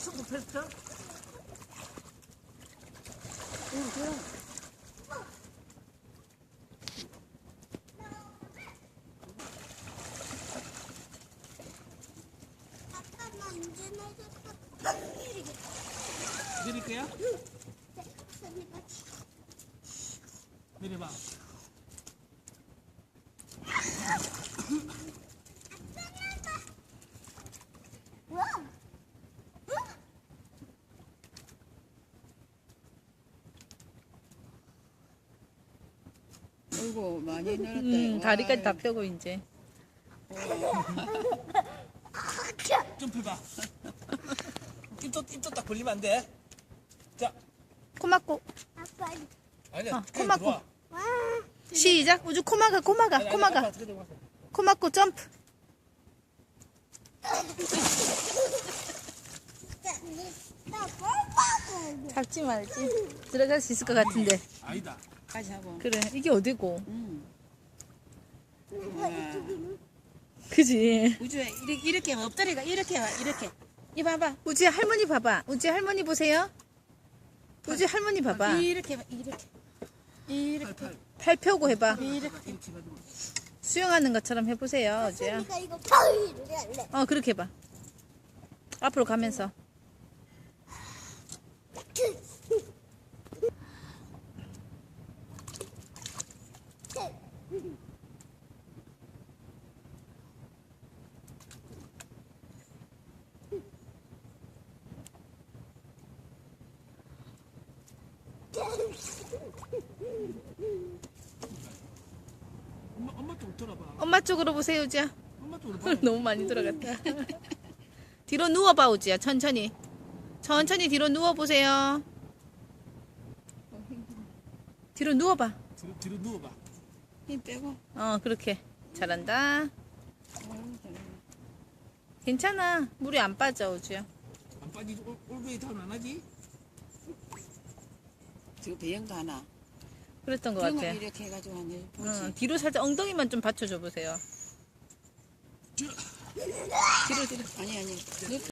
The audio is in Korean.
손도 펼쳐? 응, 그럼. 아빠만 이제 내가 내릴 거야? 선이가 내려봐. 우와. 어이구, 많이 늘었다. 다리까지 다 펴고 이제. 점프해봐. 입도 딱 벌리면 안 돼. 자, 코 막고. 아빠 아니야. 코 막고. 들어와. 와. 시작. 우주 코 막아, 코 막아, 아니, 코 아니, 막아. 아빠 어떻게 들어가서. 코 막고 점프. 나 뽀뽀. 잡지 말지. 들어갈 수 있을 것 같은데. 아니다. 같이 하고. 그래, 이게 어디고? 응. 그지? 우주야, 이렇게 엎드리가 이렇게 와, 이렇게. 이 봐봐. 우주야, 할머니 봐봐. 우주야, 할머니 보세요. 우주 할머니 봐봐. 이렇게 봐, 이렇게. 이렇게. 팔 펴고 해봐. 이렇게. 이렇게 해가지고. 수영하는 것처럼 해보세요, 우주야. 선이가 이거 파이를 할래. 그렇게 해봐. 앞으로 가면서. 엄마 쪽 돌아봐. 엄마 쪽으로 보세요, 우주야. 엄마 쪽으로 봐. 너무 많이 들어갔다. 뒤로 누워봐, 우주야. 천천히. 천천히 뒤로 누워보세요. 뒤로 누워봐. 뒤로 누워봐. 힘 빼고. 그렇게. 잘한다. 괜찮아. 물이 안 빠져, 우주야. 안 빠지지? 올베이 다운 안 하지? 저 배영도 하나. 그랬던 것 배영을 같아. 이렇게 해가지고 하네. 보지. 뒤로 살짝 엉덩이만 좀 받쳐줘 보세요. 뒤로, 뒤로. 아니.